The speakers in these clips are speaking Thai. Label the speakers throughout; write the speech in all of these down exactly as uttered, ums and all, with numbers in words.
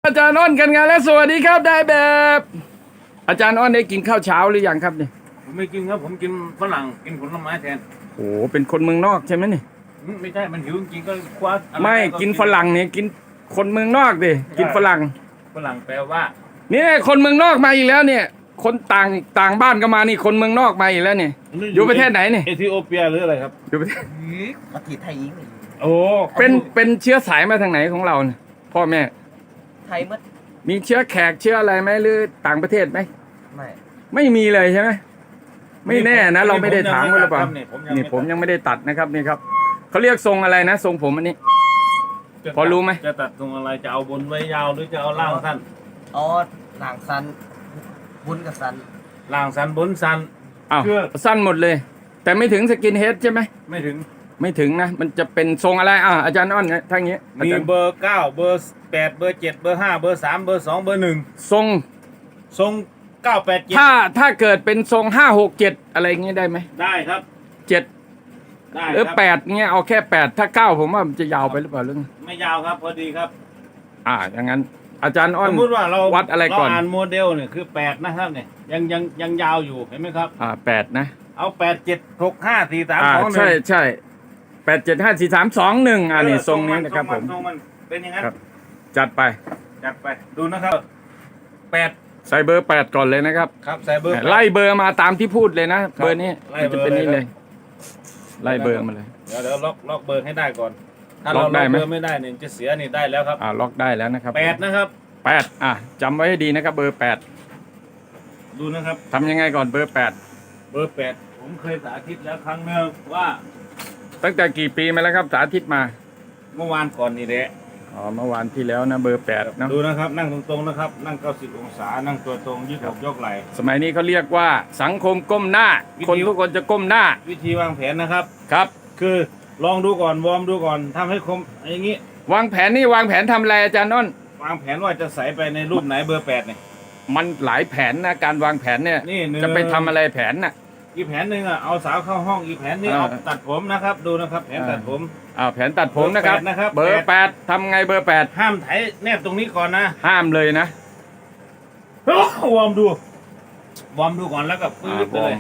Speaker 1: อาจารย์อ้อนกันงานแล้วสวัสดีครับได้แบบ อาจารย์อ้อนได้กินข้าวเช้าหรือยังครับเนี่ย
Speaker 2: ผมไม่กินครับผมกินฝรั่งกินผลไม้แทน
Speaker 1: โอ้เป็นคนเมืองนอกใช่ไหมเนี่ย
Speaker 2: ไม่ใช่มันหิวจริงก็คว้า
Speaker 1: ไม่กินฝรั่งเนี่ยกินคนเมืองนอกดิกินฝรั่ง
Speaker 2: ฝรั่งแปลว่า
Speaker 1: เนี่ยคนเมืองนอกมาอีกแล้วเนี่ย คนต่างต่างบ้านก็มานี่คนเมืองนอกมาอีกแล้วเนี่ยอยู่ประเทศไหนเนี่ย
Speaker 2: เอธิโอเปียหรืออะไรครับ
Speaker 1: อยู่ประเทศ
Speaker 3: ประเทศไทยยิง
Speaker 2: โอ้
Speaker 1: เป็นเป็นเชื้อสายมาทางไหนของเราเนี่ยพ่อแม่
Speaker 3: ไทยมัด
Speaker 1: มีเชื้อแขกเชื้ออะไรไหมหรือต่างประเทศไหม
Speaker 3: ไม่
Speaker 1: ไม่มีเลยใช่ไหมไม่แน่นะเราไม่ได้ถามหรือเปล่านี่ผมยังไม่ได้ตัดนะครับนี่ครับเขาเรียกทรงอะไรนะทรงผมอันนี้พอรู้ไหม
Speaker 2: จะตัดทรงอะไรจะเอาบนไว้ยาวหรือจะเอาล่างสั้น
Speaker 3: อ๋อล่างสั้นบุญกับสั้น
Speaker 2: ล่างสั้นบนสั้น
Speaker 1: อ้าวสั้นหมดเลยแต่ไม่ถึงสกินเฮดใช่ไหม
Speaker 2: ไม่ถึง
Speaker 1: ไม่ถึงนะมันจะเป็นทรงอะไรอ่าอาจารย์อ้อนทางนี้
Speaker 2: มีเบอร์เก้าเบอร์แปดเบอร์เจ็ดเบอร์ห้าเบอร์สามเบอร์สองเบอร์หนึ่ง
Speaker 1: ทรง
Speaker 2: ทรงเก้าแปดเจ็ด
Speaker 1: ถ้าถ้าเกิดเป็นทรงห้าหกเจ็ดอะไรเงี้ยได้ไหม
Speaker 2: ได้ครับ
Speaker 1: เจ็ดหรือแปดเงี้ยเอาแค่แปดถ้าเก้าผมว่ามันจะยาวไปหรือเปล่าเรื่อง
Speaker 2: ไม่ยาวครับพอดีครับ
Speaker 1: อ่าอย่างนั้นอาจารย์อ้อน
Speaker 2: สมมติว่าเรา
Speaker 1: วัดอะไรก่อน
Speaker 2: เราอ่านโมเดลเนี่ยคือแปดนะครับเนี่ยยังยังยังยาวอยู่เห็นไหมครับ
Speaker 1: อ่าแปดนะ
Speaker 2: เอาแปดเจ็ดหกห้าสี่สามสองหนึ่ง
Speaker 1: ใช่ใช่แปดเจ็ดห้าสี่สามสองหนึ่งอ่านี่ทรงนี้นะครับผม
Speaker 2: เป็นอย่างนั้น
Speaker 1: จัดไป
Speaker 2: จัดไปดูนะครับแปด
Speaker 1: ใส่เบอร์แปดก่อนเลยนะครับ
Speaker 2: ครับใส่เบอร์
Speaker 1: ไล่เบอร์มาตามที่พูดเลยนะเบอร์นี้มันจะเป็นนี่เลยไล่เบอร์มาเลย
Speaker 2: เดี๋ยวเดี๋ยวล็อกล็อกเบอร์ให้ได้ก่อนถ้าเราล็อกเบอร์ไม่ได้เนี่ยจะเสียนี่ได้แล้วครับ
Speaker 1: อ่าล็อกได้แล้วนะครับ
Speaker 2: แปดนะครับ
Speaker 1: แปดอ่ะจำไว้ให้ดีนะครับเบอร์แปด
Speaker 2: ดูนะครับ
Speaker 1: ทำยังไงก่อนเบอร์แปด
Speaker 2: เบอร์แปดผมเคยสาธิตแล้วครั้งหนึ่งว่า
Speaker 1: ตั้งแต่กี่ปีมาแล้วครับสาธิตมา
Speaker 2: เมื่อวานก่อนนี่แหละ
Speaker 1: อ๋อเมื่อวานที่แล้วนะเบอร์แปดนะ
Speaker 2: ดูนะครับนั่งตรงๆนะครับนั่งเก้าสิบองศานั่งตัวตรงยืดอกยกไหล่
Speaker 1: สมัยนี้เขาเรียกว่าสังคมก้มหน้าคนทุกคนจะก้มหน้า
Speaker 2: วิธีวางแผนนะครับ
Speaker 1: ครับ
Speaker 2: คือลองดูก่อนวอร์มดูก่อนทำให้คมอย่างนี้
Speaker 1: วางแผนนี่วางแผนทำอะไรอาจารย์น้น
Speaker 2: วางแผนว่าจะใส่ไปในรูปไหนเบอร์แปดเนี่ย
Speaker 1: มันหลายแผนนะการวางแผนเนี่ยจะไปทำอะไรแผนน่ะ
Speaker 2: อีกแผนหนึ่งอ่ะเอาสาวเข้าห้องอีกแผนนึงเอาตัดผมนะครับดูนะครับแผนตัดผม
Speaker 1: อ่าแผนตัดผมนะครับเบอร์แปดทำไงเบอร์แปด
Speaker 2: ห้ามไถแนบตรงนี้ก่อนนะ
Speaker 1: ห้ามเลยนะ
Speaker 2: วอร์มดูวอร์มดูก่อนแล้วก็ปื๊ดเลย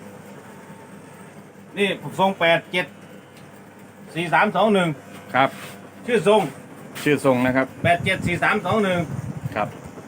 Speaker 2: นี่ทรงแปดเจ็ดสี่สามสองหนึ่ง
Speaker 1: ครับ
Speaker 2: ชื่อทรง
Speaker 1: ชื่อทรงนะครับ
Speaker 2: แปดเจ็ดสี่สามสองหนึ่ง
Speaker 1: ครับ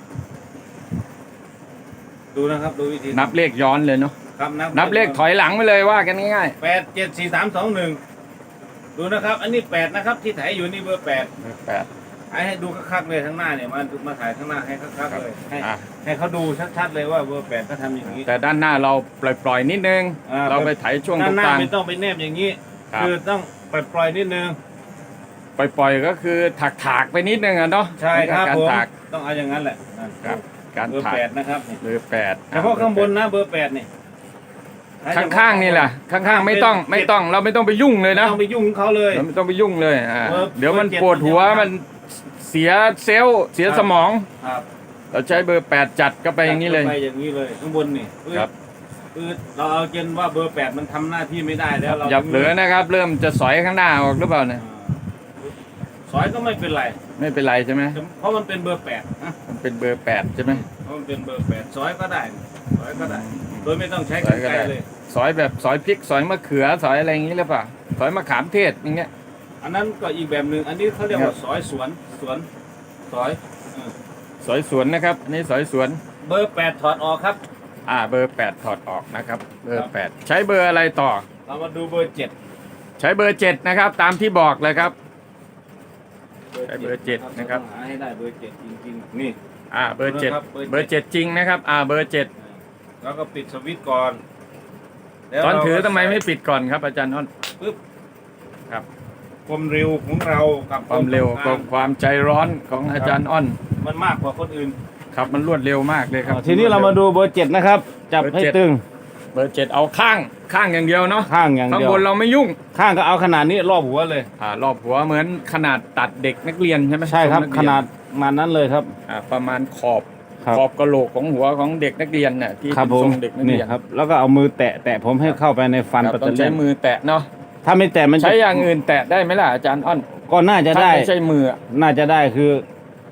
Speaker 2: ดูนะครับดูวิธี
Speaker 1: นับเลขย้อนเลยเนาะ
Speaker 2: ครับ
Speaker 1: นับเลขถอยหลังไปเลยว่ากันง่าย
Speaker 2: ๆแปดเจ็ดสี่สามสองหนึ่งดูนะครับอันนี้แปดนะครับที่ถ่ายอยู่นี่เบอร์แปด
Speaker 1: แปด
Speaker 2: ให้ดูคักๆเลยข้างหน้าเนี่ยมามาถ่ายข้างหน้าให้คักๆเลยให้ให้เขาดูชัดๆเลยว่าเบอร์แปดก็ทำอย่างนี้
Speaker 1: แต่ด้านหน้าเราปล่อยๆนิดนึงเราไปถ่ายช่วงตรงกลาง
Speaker 2: ไม่ต้องไปแนบอย่างนี้คือต้องปล่อยๆนิดนึง
Speaker 1: ปล่อยๆก็คือถักๆไปนิดนึงอ่ะเนาะ
Speaker 2: ใช่ครับผมต้องเอาอย่างนั้นแหละ
Speaker 1: ครับการ
Speaker 2: เบอร์แปดนะครับ
Speaker 1: เบอร์แปด
Speaker 2: เฉพาะข้างบนนะเบอร์แปดนี่
Speaker 1: ข้างๆนี่แหละข้างๆไม่ต้องไม่ต้องเราไม่ต้องไปยุ่งเลยนะ
Speaker 2: ไม่ต้องไปยุ่งเขาเลย
Speaker 1: เราไม่ต้องไปยุ่งเลยอ่าเดี๋ยวมันปวดหัวมันเสียเซลล์เสียสมองเราใช้เบอร์แปดจัดก็ไปอย่างนี้เลย
Speaker 2: ไปอย่างนี้เลยข้างบนนี่ครับคือเราเอาเกณฑ์ว่าเบอร์แปดมันทำหน้าที่ไม่ได้แล้วเรา
Speaker 1: อย่าเหลือนะครับเริ่มจะสอยข้างหน้าออกหรือเปล่าเนี่ย
Speaker 2: สอยก็ไม่เป็นไร
Speaker 1: ไม่เป็นไรใช่ไหม
Speaker 2: เพราะมันเป็นเบอร์แปด
Speaker 1: มันเป็นเบอร์แปดใช่ไหม
Speaker 2: เพราะมันเป็นเบอร์แปดสอยก็ได้สอยก็ได้โดยไม่ต้องใช้กรรไกรเลย
Speaker 1: สอยแบบสอยพริกสอยมะเขือสอยอะไรอย่างนี้หรือเปล่าสอยมะขามเทศอย่างเงี้ย
Speaker 2: อันนั้นก็อีกแบบหนึ่งอันนี้เขาเรียกว่าสอยสวนสวนสอย
Speaker 1: สอยสวนนะครับอันนี้สอยสวน
Speaker 2: เบอร์แปดถอดออกครับ
Speaker 1: อ่าเบอร์แปดถอดออกนะครับเบอร์แปดใช้เบอร์อะไรต่อ
Speaker 2: เรามาดูเบอร์เจ็ด
Speaker 1: ใช้เบอร์เจ็ดนะครับตามที่บอกเลยครับใช้เบอร์เจ็ดนะครับ
Speaker 2: หาให้ได้เบอร์เจ็ดจริงๆนี่
Speaker 1: อ่าเบอร์เจ็ดเบอร์เจ็ดจริงนะครับอ่าเบอร์เจ็ด
Speaker 2: แล้วก็ปิดสวิตช์ก่อน
Speaker 1: ตอนถือทำไมไม่ปิดก่อนครับอาจารย์อ้น
Speaker 2: ปึ๊บ
Speaker 1: ครับ
Speaker 2: ความเร็วของเรากับ
Speaker 1: ความเร็วกับความใจร้อนของอาจารย์อ้น
Speaker 2: มันมากกว่าคนอื่น
Speaker 1: ครับมันรวดเร็วมากเลยครับ
Speaker 2: ทีนี้เรามาดูเบอร์เจ็ดนะครับจับให้ตึง
Speaker 1: เบอร์เจ็ดเอาข้างข้างอย่างเดียวเนาะ
Speaker 2: ข้างอย่างเดียว
Speaker 1: ข้างบนเราไม่ยุ่ง
Speaker 2: ข้างก็เอาขนาดนี้รอบหัวเลย
Speaker 1: อ่ารอบหัวเหมือนขนาดตัดเด็กนักเรียนใช่ไหม
Speaker 2: ใช่ครับขนาดมานั้นเลยครับ
Speaker 1: อ่าประมาณขอบขอบกระโหลกของหัวของเด็กนักเรียนน่ะที่เป็นทรงเด็กนักเรียน
Speaker 2: ครับแล้วก็เอามือแตะแตะผมให้เข้าไปในฟัน
Speaker 1: ปัตเตอร์ใช้มือแตะเนาะ
Speaker 2: ถ้าไม่แตะมัน
Speaker 1: ใช้อย่างอื่นแตะได้ไหมล่ะอาจารย์อ้น
Speaker 2: ก็น่าจะได้
Speaker 1: ไม่ใช่มือ
Speaker 2: น่าจะได้คือ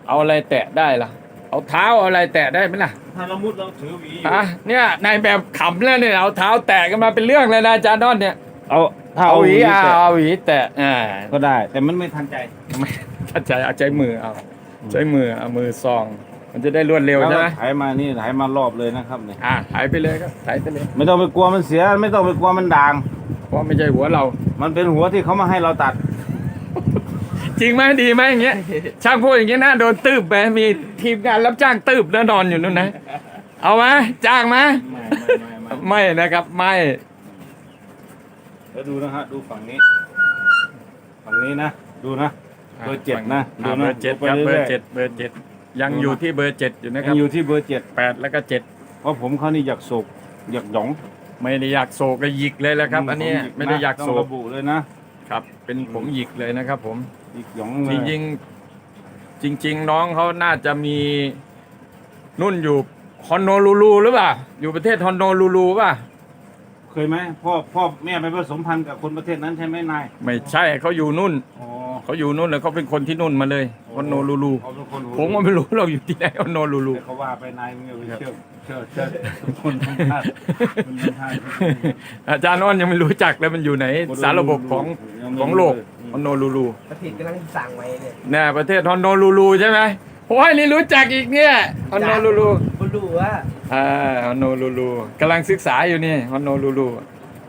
Speaker 1: เอาอะไรแตะได้ล่ะ เอาเท้าเอาอะไรแตะได้ไหมล่ะ
Speaker 2: ถ้าเรามุดเราถือหวีอยู่
Speaker 1: อ่ะเนี่ยนายแบบขำแล้วเนี่ยเอาเท้าแตะกันมาเป็นเรื่องเลยนะอาจารย์ดอนเนี่ย
Speaker 2: เอาถ้า
Speaker 1: เอา
Speaker 2: เอา
Speaker 1: ห
Speaker 2: ห
Speaker 1: วี
Speaker 2: วี
Speaker 1: อ่ะ
Speaker 2: แตะ
Speaker 1: เอาหวีแตะอ่า
Speaker 2: ก็ได้ แต่มันไม่ทันใจ
Speaker 1: ไม่ถ้าใจเอาใจมือเอาใช้มือเอามือซอง มันจะได้รวดเร็วใช่ไหม
Speaker 2: ถ่ายมานี่ถ่ายมารอบเลยนะครับเนี่ย
Speaker 1: อ่ะถ่ายไปเลยครับถ่ายไปเลย
Speaker 2: ไม่ต้องไปกลัวมันเสีย ไม่ต้องไปกลัวมันด่าง
Speaker 1: เพราะไม่ใช่หัวเรา
Speaker 2: มันเป็นหัวที่เขามาให้เราตัด
Speaker 1: จริงไหมดีไหมอย่างเงี้ย ช่างพูดอย่างเงี้ยน่าโดนตืบไปมีทีมงานรับจ้างตืบแล้วนอนอยู่นู่นนะ เอาไหมจ้างไหม
Speaker 2: ไม่ไม่ไม่ไม่
Speaker 1: ไม่นะครับไม่
Speaker 2: แล้วดูนะฮะดูฝั่งนี้ ฝั่งนี้นะ ดูนะ เบอร์เจ็ดนะ
Speaker 1: อ่า
Speaker 2: ดู
Speaker 1: เบ
Speaker 2: นะ
Speaker 1: อร์เจ็ด
Speaker 2: ดู
Speaker 1: ครับ
Speaker 2: ไป
Speaker 1: เบอ
Speaker 2: รื่ย
Speaker 1: ร์
Speaker 2: ๆ
Speaker 1: เจ็ดเบอร์เจ็ดยังอยู่ที่เบอร์เจ็ดอยู่นะค
Speaker 2: ยั
Speaker 1: รับ
Speaker 2: งอยู่ที่เบอร์เจ็ด
Speaker 1: แปดแล้วก็เจ็ด
Speaker 2: เพราะผมเขานี่อยากโศกอยากหยอง
Speaker 1: ไม่ได้อยากโศกก็หยิกเลยแหละครับ อันนี้
Speaker 2: ผมหยิ
Speaker 1: ไม่ได้อยาก
Speaker 2: ต้
Speaker 1: โศ
Speaker 2: อง
Speaker 1: ก
Speaker 2: ระบุเลยนะครับ
Speaker 1: เป็นผมหยิกเลยนะครับ ผม
Speaker 2: หยิกหยอง
Speaker 1: จ
Speaker 2: เลย
Speaker 1: ริงๆจริง ๆ น้องเขาน่าจะมีนุ่นอยู่ฮอนโนลูลูหรือเปล่าอยู่ประเทศฮอนโนลูลูป่ะ
Speaker 2: เคยไหมพ่อพ่อแม่ไปผสมพันธุ์กับคนประเทศนั้นใช่ไหมนาย
Speaker 1: ไม่ใช่เขาอยู่นุ่น
Speaker 2: อ๋อ
Speaker 1: เขาอยู่นู่นเลยเขาเป็นคนที่นุ่นมาเลยฮอนโนลูลู
Speaker 2: เขาเป็นคนหู
Speaker 1: ผมก็ไม่รู้เราอยู่ที่ไหนฮอนโนลูลู
Speaker 2: แต่เขาว่าไปนายมึงอย่าไปเชื่อเชื่อเชื่อทุกคนทุกท่านคนทุกท่าน
Speaker 1: อาจารย์อ้อนยังไม่รู้จักเลยมันอยู่ไหน สารระบบของของโลกฮอนโนลูลู
Speaker 3: ประเทศกำลังสั่งไว้เนี่ย
Speaker 1: เนี่ยประเทศฮอนโนลูลูใช่ไหมโอ้ยนี่รู้จักอีกเนี่ยฮอนโนลูลู
Speaker 3: บรู้ว่า
Speaker 1: อ่าฮอนโนลูลูกำลังศึกษาอยู่นี่ฮอนโนลูลู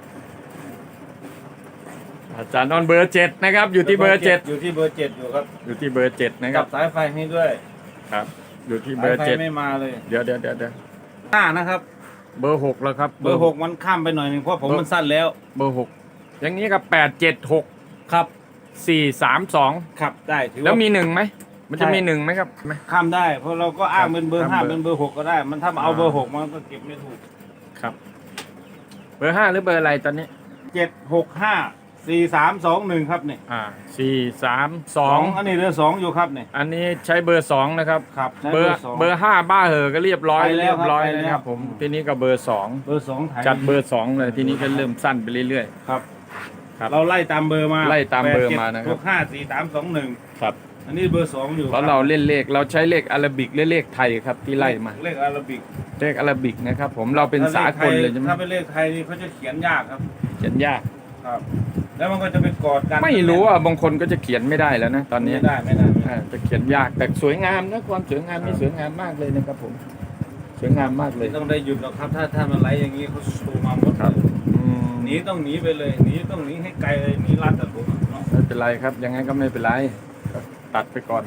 Speaker 1: อาจารย์อ้อนเบอร์เจ็ดนะครับ อยู่ที่เบอร์เจ็ด
Speaker 2: อยู่ที่เบอร์เจ็ดอยู่ครับ
Speaker 1: อยู่ที่เบอร์เจ็ดนะค
Speaker 2: กั
Speaker 1: รั
Speaker 2: บบ สายไฟให้ด้วย
Speaker 1: ครับ อยู่ที่เบ
Speaker 2: สา
Speaker 1: อย ร์
Speaker 2: ไฟ
Speaker 1: เจ็ด
Speaker 2: ไม่มาเลย
Speaker 1: เดี๋ยวเดี๋ยวเดี๋ยวเดี๋ยว
Speaker 2: หน้านะครับ
Speaker 1: เบอร์หกแล้วครับ
Speaker 2: เบอร์หกมันข้ามไปหน่อยหนึงเพราะผมมันสั้นแล้ว
Speaker 1: เบอร์หกอย่างนี้ก็แปดเจ็ดหก
Speaker 2: ครับ
Speaker 1: สี่สามสอง
Speaker 2: ครับได้ถือ
Speaker 1: แล้ว
Speaker 2: ว่า
Speaker 1: มีหนึ่งไหมมันจะ
Speaker 2: ใช่
Speaker 1: มีหนึ่งไหมครับไหม
Speaker 2: ข้ามได้ เพราะเราก็อ้างเป็นเบอร์
Speaker 1: ข้า
Speaker 2: ห้าม
Speaker 1: เบอร์
Speaker 2: เป็นเบอร์หกก็ได้ มันถ้ามาเอา
Speaker 1: อ่า
Speaker 2: เบอร์หกมันก็เก็บไม่ถูก
Speaker 1: ครับ เบอร์ห้าหรือเบอร์อะไรตอนนี้
Speaker 2: เจ็ดหกห้าสี่สามสองหนึ่งครับเนี่ย
Speaker 1: อ่าสี่สามสอง
Speaker 2: อันนี้เรือสองอยู่ครับเนี่ย
Speaker 1: อันนี้ใช้เบอร์สองนะครับ
Speaker 2: ครับใช้
Speaker 1: เบอร์
Speaker 2: สอง
Speaker 1: เบอร์ห้าบ้าเหอะก็เรียบร้อย
Speaker 2: ไปแล้ว
Speaker 1: เรียบร้อย
Speaker 2: ครับไปแล้ว
Speaker 1: นะครับ ผมทีนี้ก็เบอร์สอง
Speaker 2: เบอร์สองถ่าย
Speaker 1: จัดเบอร์สองเลยทีนี้ก็เริ่มสั้นไปเรื่อย
Speaker 2: ครับ
Speaker 1: ๆ ครับ
Speaker 2: เราไล่ตามเบอร์มา
Speaker 1: ไล่ตามเบอร์มานะครับ
Speaker 2: หกห้าสี่สามสองหนึ่ง
Speaker 1: ครับ
Speaker 2: อันนี้เบอร์สองอยู่
Speaker 1: เพราะเราเล่นเลขเราใช้เลขอาราบิกและเลขไทยครับที่ไล่มา
Speaker 2: เลขอาราบิก
Speaker 1: เลขอาราบิกนะครับ ผมเราเป็นสากลเลยใช่ไหม
Speaker 2: ถ้าเป็นเลขไทยนี่เขาจะเขียนยากครับ
Speaker 1: เขียนยาก
Speaker 2: ครับ แล้วมันก็จะไปกอดกัน
Speaker 1: ไม่รู้อ่ะบางคนก็จะเขียนไม่ได้แล้วนะตอนนี้
Speaker 2: ไม่ได้ไม่ได้ไม่ได้
Speaker 1: อ่าจะเขียนยากแต่สวยงามนะความสวยงามนี่สวยงามมากเลยนะครับ ผมสวยงามมากเลย
Speaker 2: ไม่ต้องได้หยุดหรอกครับ ถ้าถ้ามันไหลอย่างนี้เขาสูมาหมด
Speaker 1: ครับอืม
Speaker 2: หนีต้องหนีไปเลยหนีต้องหนีให้ไกลเลยหนีรัดแต่ผมอะเนาะ
Speaker 1: ไม่เป็นไรครับยังไงก็ไม่เป็นไรก็ตัดไปก่อน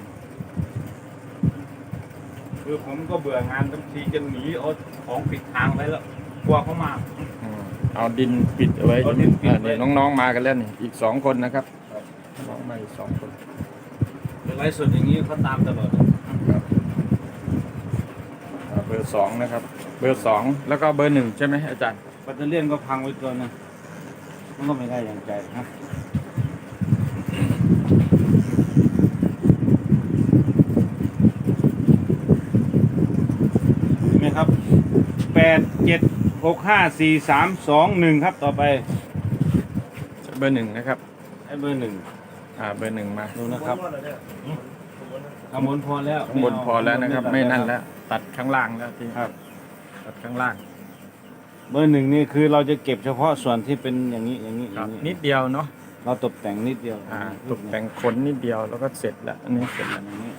Speaker 2: คือผมก็เบื่องานบางทีจะหนีเอาของปิดทางไปแล้วกลัวเขามา
Speaker 1: อืมเอาดินปิดเอาไว้
Speaker 2: เอาดินปิด
Speaker 1: อ่า
Speaker 2: ไว้
Speaker 1: นี่น้องๆมากันแล้วนี่อีกสองคนนะครับน้องมาอีกสองคน
Speaker 2: เป็นไรสุดอย่างนี้เขาตามตลอด
Speaker 1: ครับอ่าเบอร์สองนะครับ เบอร์สองแล้วก็เบอร์หนึ่งใช่ไหมอาจารย์
Speaker 2: แบตเตอรี่ยนก็พังไปตัวหนึงมันก็ไม่ได้อย่างใจนะเห็นไหมครับแปดเจ็ดหกห้าสี่สามสองหนึ่งครับต่อไป
Speaker 1: เบอร์หนึ่งนะครับ
Speaker 2: ไอ้เบอร์หนึ่ง
Speaker 1: อ่าเบอร์หนึ่งมา
Speaker 2: ดูนะครับข้างบนพอแล้ว
Speaker 1: ข้างบนพอแล้วนะครับ ไม่นั่นแล้ว ตัดข้างล่างแล้วที
Speaker 2: ครับ
Speaker 1: ตัดข้างล่าง
Speaker 2: เบอร์หนึ่งนี่คือเราจะเก็บเฉพาะส่วนที่เป็นอย่างนี้อย่างนี้อ
Speaker 1: ครั
Speaker 2: ย่า
Speaker 1: บ
Speaker 2: งนี้
Speaker 1: นิดเดียวเนาะ
Speaker 2: เราตกแต่งนิดเดียว
Speaker 1: อ่าตกแต่งขนนิดเดียวแล้วก็เสร็จแล้วอันนี้เสร็จแล้ว
Speaker 2: อย่างนี้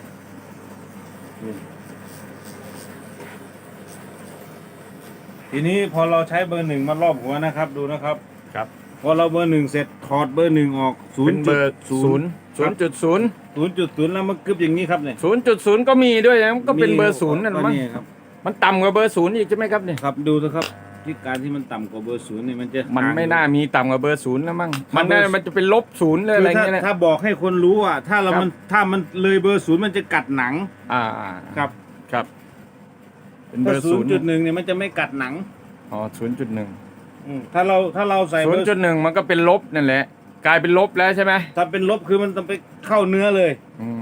Speaker 2: ทีนี้พอเราใช้เบอร์หนึ่งมารอบหัวนะครับ ดูนะครับ
Speaker 1: ครับ
Speaker 2: พอเราเบอร์หนึ่งเสร็จถอดเบอร์หนึ่งออกศู
Speaker 1: เป็น น
Speaker 2: ย์
Speaker 1: เบอร์ศูนย์ศูนย์จุดศูนย์
Speaker 2: ศูนย์จุดศูนย์แล้วมันกึบอย่างนี้ครับเนี่ย
Speaker 1: ศูนย์จุดศูนย์ก็มีด้วยนะมันก็เป็นเบอร์ศูนย์นั่น
Speaker 2: ก็
Speaker 1: มั้ง
Speaker 2: ครับ
Speaker 1: มันต่ำกว่าเบอร์ศูนย์อีกใช่ไหมครับเนี่ย
Speaker 2: ครับดูนะครับที่การที่มันต่ำกว่าเบอร์ศูนย์นี่มันจะ
Speaker 1: มันไม่น่ามีต่ำกว่าเบอร์ศูนย์แล้วมั้ง
Speaker 2: ครับ
Speaker 1: มันน่า
Speaker 2: เบอร์
Speaker 1: มันจะเป็นลบศูนย์เลยอะไร
Speaker 2: คือถ้า
Speaker 1: เงี้ยนะ
Speaker 2: ถ้าบอกให้คนรู้อ่ะถ้าเรา
Speaker 1: ครับ
Speaker 2: มันถ้ามันเลยเบอร์ศูนย์มันจะกัดหนัง
Speaker 1: อ่า
Speaker 2: ครับ
Speaker 1: ครับ เป็นเบ
Speaker 2: เบ
Speaker 1: อ
Speaker 2: อ
Speaker 1: ร์
Speaker 2: ร์ศู
Speaker 1: ศู
Speaker 2: น
Speaker 1: น
Speaker 2: ย์
Speaker 1: ย์
Speaker 2: จุดหนึ่งเนี่ยมันจะไม่กัดหนัง
Speaker 1: อ๋อศูนย์จุดหนึ่ง
Speaker 2: อืมถ้าเราถ้าเราใส่
Speaker 1: ศู
Speaker 2: เบ
Speaker 1: น
Speaker 2: อ
Speaker 1: ย์
Speaker 2: ร์
Speaker 1: จุดหนึ่งมันก็เป็นลบนั่นแหละ กลายเป็นลบแล้วใช่ไหม
Speaker 2: ถ้าเป็นลบคือมันต้องไปเข้าเนื้อเลย
Speaker 1: อืม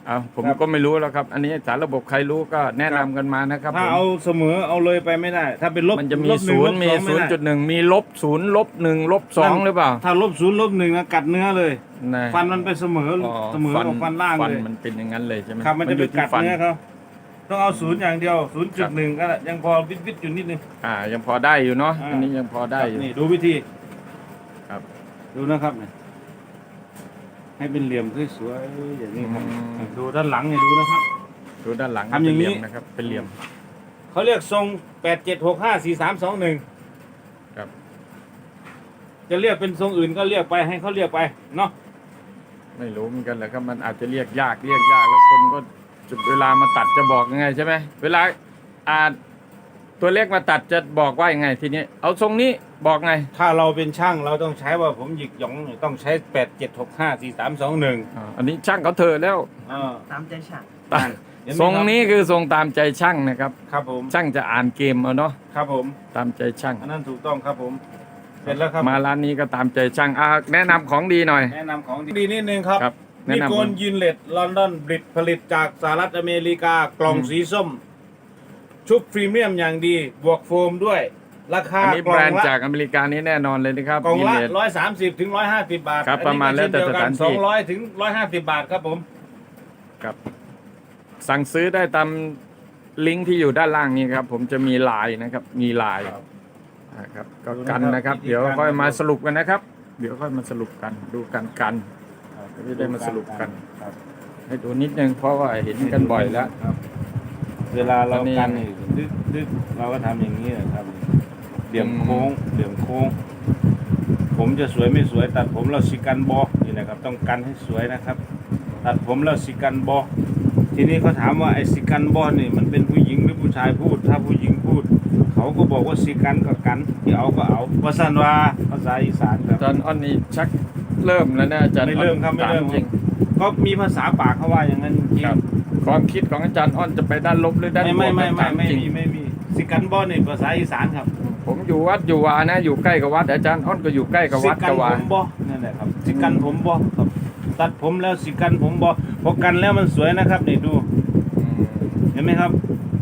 Speaker 1: เอาผมก็ไม่รู้แล้วครับ อันนี้สารระบบใครรู้ก็แนะนำกันมานะครับ
Speaker 2: ถ้า
Speaker 1: ผม
Speaker 2: เอาเสมอเอาเลยไปไม่ได้ ถ้าเป็นลบ
Speaker 1: มันจะมี
Speaker 2: ลบหง
Speaker 1: ศูนย์
Speaker 2: ลบ
Speaker 1: มี
Speaker 2: สอง
Speaker 1: ศูนย์
Speaker 2: ไได้
Speaker 1: จุดหนึ่งมีลบศูนย์ลบหนึ่งลบสองหรือเปล่า
Speaker 2: ถ้าลบศูนย์ลบหนึ่งนะกัดเนื้อเลย
Speaker 1: นะ
Speaker 2: ฟันมันไปเสมอ
Speaker 1: อ๋อ
Speaker 2: เสมอกับฟันล่าง
Speaker 1: ฟัน
Speaker 2: เลย
Speaker 1: มันเป็นอย่างนั้นเลยใช่ไหม
Speaker 2: ครับมันจะไป
Speaker 1: อยู่ที่
Speaker 2: กัด
Speaker 1: ฟัน
Speaker 2: เนื้อเขาต้องเอาศูนย์อย่างเดียวศูนย์จุดหนึ่งก็ยังพอวิดวิดอยู่นิดนึง
Speaker 1: อ่ายังพอได้อยู่เนาะ
Speaker 2: อ่า
Speaker 1: อันนี้ยังพอได้อยู่
Speaker 2: นี่ดูวิธี
Speaker 1: ครับ
Speaker 2: ดูนะครับเนี่ยให้เป็นเหลี่ยมสวยๆอย่างนี้ครับ
Speaker 1: อืม
Speaker 2: ดูด้านหลังเนี่ยดูนะครับ
Speaker 1: ดูด้านหลัง
Speaker 2: ทำอย่างนี้
Speaker 1: เป็นเหลี่มนะครับเป็นเหลี่ยม
Speaker 2: เขาเรียกทรงแปดเจ็ดหกห้าสี่สามสองหนึ่ง
Speaker 1: ครับ
Speaker 2: จะเรียกเป็นทรงอื่นก็เรียกไปให้เขาเรียกไปเนาะ
Speaker 1: ไม่รู้เหมือนกันแหละครับมันอาจจะเรียกยากเรียกยากแล้วคนก็จุดเวลามาตัดจะบอกยังไงใช่ไหมเวลาอ่าตัวเลขมาตัดจะบอกว่ายังไงทีนี้เอาทรงนี้บอกไง
Speaker 2: ถ้าเราเป็นช่างเราต้องใช้ว่าผมหยิกหยองเนี่ยต้องใช้แปดเจ็ดหกห้าสี่สามสองหนึ่ง
Speaker 1: อ่าอันนี้ช่างเขาเถอะแล้ว
Speaker 2: อ่า
Speaker 3: ตามใจฉัน
Speaker 1: ตัดทรงนี้คือทรงตามใจช่างนะครับ
Speaker 2: ครับผม
Speaker 1: ช่างจะอ่านเกมเอาเนาะ
Speaker 2: ครับผม
Speaker 1: ตามใจช่าง
Speaker 2: อันนั้นถูกต้องครับผม เสร็จแล้วครับ
Speaker 1: มาร้านนี้ก็ตามใจช่างอ่าแนะนำของดีหน่อย
Speaker 2: แนะนำของดีนิดนึงครับ
Speaker 1: ครับแนะ
Speaker 2: นิ
Speaker 1: นำ
Speaker 2: โกนยินเลตลอนดอนบริตผลิตจากสหรัฐอเมริกากล่อง
Speaker 1: อืม
Speaker 2: สีส้ม ชุบพรีเมียมอย่างดี บวกโฟมด้วย ราคา
Speaker 1: อันนี้
Speaker 2: ก
Speaker 1: แบ
Speaker 2: ล่
Speaker 1: ร
Speaker 2: อง
Speaker 1: นด์
Speaker 2: ละ
Speaker 1: จากอเมริกานี้แน่นอนเลยนะครับ
Speaker 2: กล่องละ
Speaker 1: Gillette
Speaker 2: ร้อยสามสิบถึงร้อยห้าสิบบาท
Speaker 1: ครับประมาณแล้วแต่สถานที่
Speaker 2: สองร้อยถึงร้อยห้าสิบบาทครับผม
Speaker 1: ครับสั่งซื้อได้ตามลิงก์ที่อยู่ด้านล่างนี้ครับ ผมจะมีไลน์นะครับ มีไลน์นะครับก็กันนะครับ เดี๋ยวค่อยมาสรุปกันนะครับ เดี๋ยวค่อยมาสรุปกันดูกันกันก็จะได้มาสรุปกัน
Speaker 2: ครับ
Speaker 1: ให้ดูนิดนึงเพราะว่าเห็นกันบ่อยแล้ว
Speaker 2: ครับ เวลาเรา
Speaker 1: อันนี้
Speaker 2: กันนี่ดึกดึกเราก็ทำอย่างนี้นะครับเหลี่ยมโค้งเหลี่ยมโค้ง ผมจะสวยไม่สวย ตัดผมเราสิกันบอนี่นะครับ ต้องกันให้สวยนะครับ ตัดผมเราสิกันบอทีนี้เขาถามว่าไอ้สิกันบอนี่มันเป็นผู้หญิงหรือผู้ชายพูด ถ้าผู้หญิงพูด เขาก็บอกว่าสิกันก็กันที่เอาก็เอาภาษาว่าภาษาอีสานครับ
Speaker 1: อาจารย์อ้อนนี่ชักเริ่มแล้วนะอาจารย์
Speaker 2: ไม่เริ่มครับไม่เริ่ม
Speaker 1: ถาจริง
Speaker 2: ก็มีภาษาปากเขาว่าอย่างนั้นจริง
Speaker 1: ครับความคิดของอาจารย์อ้อนจะไปด้านลบหรือด้าน
Speaker 2: ไม่
Speaker 1: บว
Speaker 2: ไม่
Speaker 1: ก
Speaker 2: ไม่
Speaker 1: ถา
Speaker 2: ไม่ไม่
Speaker 1: จริง
Speaker 2: มีไม่มีสิกันบอนี่ภาษาอีสานครับ
Speaker 1: ผมอยู่วัดอยู่วานะอยู่ใกล้กับวัดอาจารย์อ้อนก็อยู่ใกล้กับ
Speaker 2: สิ
Speaker 1: วัด
Speaker 2: กั
Speaker 1: กับ
Speaker 2: ผ
Speaker 1: วา
Speaker 2: มบอนั่นแหละครับสิกันผมบอครับตัดผมแล้วสิกันผมบอพอกันแล้วมันสวยนะครับนี่ดู
Speaker 1: อืม
Speaker 2: เห็นไหมครับ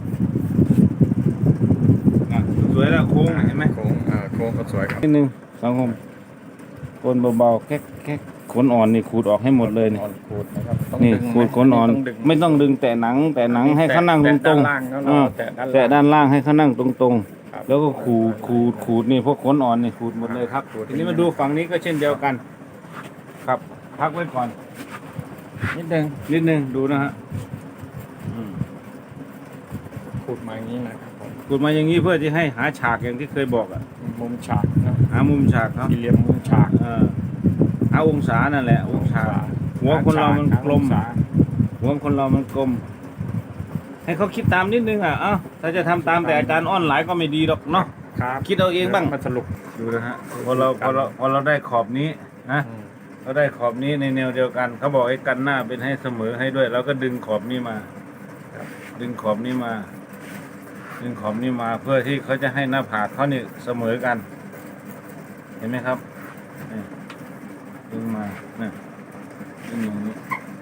Speaker 2: อ่ะสวยแล้วโค้งเห็นไหม
Speaker 1: โค้งอ่าโค้งก็สวยครับ
Speaker 2: นิดนึงสังคมโกนเบาๆแค่แค่ขนอ่อนนี่ขูดออกให้หมดเลยนี่
Speaker 1: อ่อนขูดนะครับต้อง
Speaker 2: นี่
Speaker 1: ดึงไหม
Speaker 2: ขูดขนอ่อน
Speaker 1: ต้องดึง
Speaker 2: ไม่ต้องดึงแต่หนัง แต่หนังให้เขานั่งต
Speaker 1: แตะ
Speaker 2: รง
Speaker 1: ด้านล่างแล้ว
Speaker 2: ๆ
Speaker 1: เรา
Speaker 2: อ่า
Speaker 1: แตะด้าน
Speaker 2: แต่
Speaker 1: ล่าง
Speaker 2: ด้านล่างให้เขานั่งตรง
Speaker 1: ครับ
Speaker 2: ๆ แล้วก็ขูดขูดขูดนี่พวกขนอ่อนนี่ขูดหมดเลยครับ
Speaker 1: ขูด
Speaker 2: ทีนี้มาดูฝั่งนี้ก็เช่นเดียวกัน ครับ พักไว้ก่อน
Speaker 1: นิดนึง
Speaker 2: นิดนึงดูนะฮะอืม
Speaker 1: ขูดมาอย่างนี้นะครับผม
Speaker 2: ขูดมาอย่างนี้เพื่อที่ให้หาฉากอย่างที่เคยบอกอะ
Speaker 1: มุมฉากนะ
Speaker 2: หามุมฉากเขา
Speaker 1: สี่เหลี่ยมมุมฉาก
Speaker 2: เออหาองศานั่นแหละ องศา หัวคนเรามันกลม
Speaker 1: หาฉา
Speaker 2: หัวคนเรามันกลม ให้เขาคิดตามนิดนึงอ่ะเอ้าถ้าจะทำตามแต่อาจารย์อ้อนหลายก็ไม่ดีหรอกเนาะ
Speaker 1: ครับ
Speaker 2: คิดเอาเองบ้าง
Speaker 1: มาสรุป
Speaker 2: ดูนะฮะพอเราพอเราพอเราได้ขอบนี้นะ
Speaker 1: อืม
Speaker 2: เราได้ขอบนี้ในแนวเดียวกัน เขาบอกให้กันหน้าเป็นให้เสมอให้ด้วยเราก็ดึงขอบนี้มา ดึงขอบนี้มา ดึงขอบนี้มาเพื่อที่เขาจะให้หน้าผากเขาเนี่ยเสมอกัน เห็นไหมครับนี่ดึงมาเนี่ยดึงอย่างนี้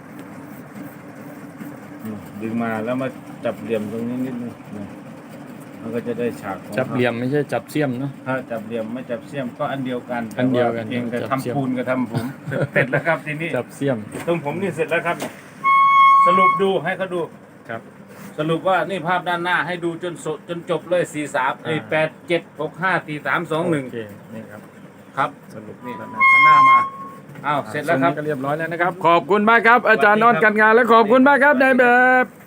Speaker 2: นี่ดึงมาแล้วมาจับเหลี่ยมตรงนี้นิดนึงนี่มันก็จะได้ฉากของ
Speaker 1: จับเหลี่ยมไม่ใช่จับเสี้ยมเนาะ
Speaker 2: ถ้าจับเหลี่ยมไม่จับเสี้ยมก็อันเดียวกัน
Speaker 1: อันเดียวกัน
Speaker 2: แต่าเพียงแต่
Speaker 1: จับเสี้ยม
Speaker 2: ทำปูนกับทำผมเสร็จแล้วครับทีนี้
Speaker 1: จับเสี้ยม
Speaker 2: ตรงผมนี่เสร็จแล้วครับ สรุปดูให้เขาดู
Speaker 1: ครับ
Speaker 2: สรุปว่านี่ภาพด้านหน้าให้ดูจนสจนจบเลยสี่สามไอ้แปดเจ็ดหกห้าสี่สามสองหนึ่ง
Speaker 1: โอเคนี่ครับ
Speaker 2: ครับ
Speaker 1: สรุป
Speaker 2: นี่
Speaker 1: แล้วนะ
Speaker 2: ข้างหน้ามาอ้าวเสร็จแล้วครับ
Speaker 1: ทงนี้ก็เรียบร้อยแล้วนะครับ ขอบคุณมากครับ อาจารย์นอนกันงานและขอบคุณมากครับนายแบบ